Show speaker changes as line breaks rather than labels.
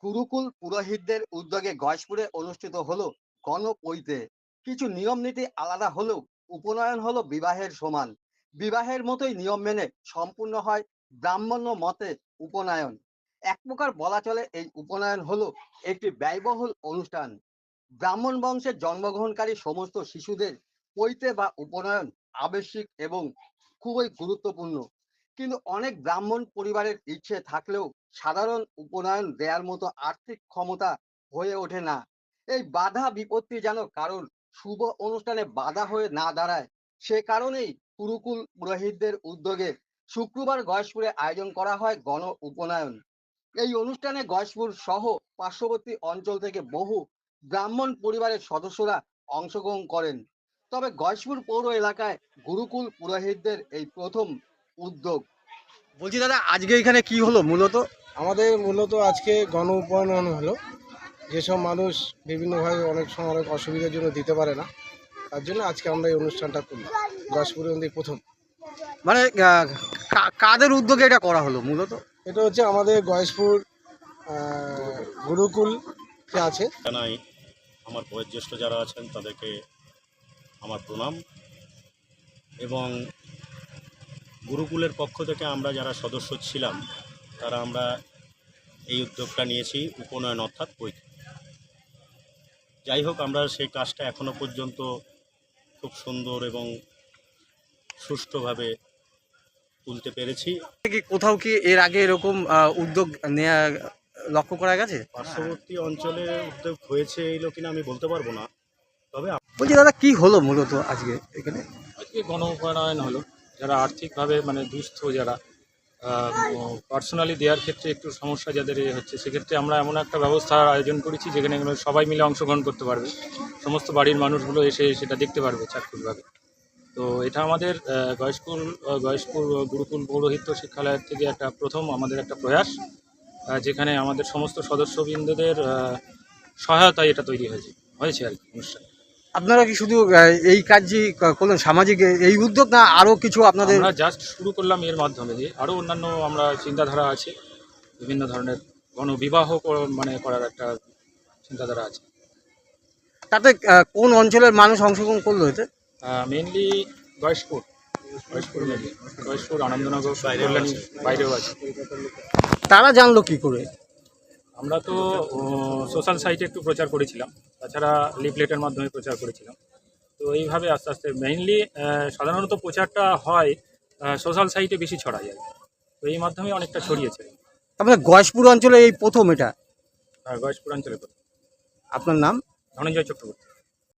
গুরুকুল পুরোহিতদের উদ্যোগে গয়েশপুরে অনুষ্ঠিত হলো গণপৈতে। কিছু নিয়ম নীতি আলাদা হলেও উপনয়ন হলো বিবাহের সমান। বিবাহের মতোই নিয়ম মেনে সম্পূর্ণ হয় ব্রাহ্মণ্য মতে উপনয়ন। এক প্রকার বলা চলে এই উপনয়ন হলো একটি ব্যয়বহুল অনুষ্ঠান। ব্রাহ্মণ বংশের জন্মগ্রহণকারী সমস্ত শিশুদের পৈতে বা উপনয়ন আবশ্যিক এবং খুবই গুরুত্বপূর্ণ। কিন্তু অনেক ব্রাহ্মণ পরিবারের ইচ্ছে থাকলেও সাধারণ উপনয়ন দেওয়ার মতো আর্থিক ক্ষমতা হয়ে ওঠে না। এই বাধা বিপত্তি যেন কারণ শুভ অনুষ্ঠানে বাধা হয়ে না দাঁড়ায়, সে কারণেই গুরুকুল পুরোহিতদের উদ্যোগে শুক্রবার গয়েশপুরে আয়োজন করা হয় গণ উপনয়ন। এই অনুষ্ঠানে গয়েশপুর সহ পার্শ্ববর্তী অঞ্চল থেকে বহু ব্রাহ্মণ পরিবারের সদস্যরা অংশগ্রহণ করেন। তবে গয়েশপুর পৌর এলাকায় গুরুকুল পুরোহিতদের এই প্রথম উদ্যোগ। বলছি দাদা, আজকে এখানে কি হলো মূলত?
আমাদের মূলত আজকে গণ উপনয়ন হলো। যেসব মানুষ বিভিন্নভাবে অনেক সময় অনেক অসুবিধার জন্য দিতে পারে না, তার জন্য আজকে আমরা এই অনুষ্ঠানটা করলাম। গয়েশপুরে প্রথম।
মানে কাদের উদ্যোগে এটা করা হলো মূলত?
এটা হচ্ছে আমাদের গয়েশপুর গুরুকুল যে আছে।
জানাই আমার বয়োজ্যেষ্ঠ যারা আছেন তাদেরকে আমার প্রণাম, এবং গুরুকুলের পক্ষ থেকে আমরা যারা সদস্য ছিলাম তারা আমরা এই উদ্যোগটা নিয়েছি উপনয়ন অর্থাৎ পৈতে। যাই হোক, আমরা সেই কাজটা এখনো পর্যন্ত খুব সুন্দর এবং সুষ্ঠুভাবে তুলতে পেরেছি।
কোথাও কি এর আগে এরকম উদ্যোগ নেওয়া লক্ষ্য করা গেছে?
পার্শ্ববর্তী অঞ্চলে উদ্যোগ হয়েছে এইগুলো কিনা আমি বলতে পারবো না, তবে
বলছি দাদা, কি হলো মূলত আজকে এখানে?
আজকে গণ উপনয়ন হলো। যারা আর্থিকভাবে দুস্থ, যারা পার্সোনালি দেওয়ার ক্ষেত্রে একটু সমস্যা যাদের হচ্ছে, সেক্ষেত্রে আমরা এমন একটা ব্যবস্থার আয়োজন করেছি যেখানে সবাই মিলে অংশগ্রহণ করতে পারবে, সমস্ত বাড়ির মানুষগুলো এসে সেটা দেখতে পারবে চাক্ষুষভাবে। তো এটা আমাদের গয়েশপুর গুরুকুল পৌরোহিত্য শিক্ষালয়ের থেকে একটা প্রথম আমাদের একটা প্রয়াস, যেখানে আমাদের সমস্ত সদস্যবৃন্দদের সহায়তায় এটা তৈরি হয়েছে আর কি অনুষ্ঠান।
আপনারা কি শুধু এই কাজই করলেন, সামাজিক এই উদ্যোগ, না আরো কিছু আপনাদের?
আমরা জাস্ট শুরু করলাম এর মাধ্যমে দিয়ে, আরও অন্যান্য আমরা চিন্তাধারা আছে, বিভিন্ন ধরনের গণবিবাহ করার একটা চিন্তাধারা আছে।
তাতে কোন অঞ্চলের মানুষ অংশগ্রহণ করলো এতে?
মেনলি গয়েশপুর মেনলি গয়েশপুর, আনন্দনগর, কল্যাণী, বাইরেও আছে।
তারা জানলো কি করে?
আমরা তো সোশ্যাল সাইটে একটু প্রচার করেছিলাম, তাছাড়া লিফলেটের মাধ্যমে প্রচার করেছিলাম। তো এইভাবে আস্তে আস্তে মেইনলি সাধারণত প্রচারটা হয় সোশ্যাল সাইটে বেশি ছড়া যায়, তো এই মাধ্যমে অনেকটা ছড়িয়েছে।
আপনার গয়েশপুর অঞ্চলে এই প্রথম এটা?
গয়েশপুর অঞ্চলে তো।
আপনার নাম?
ধনঞ্জয় চক্রবর্তী।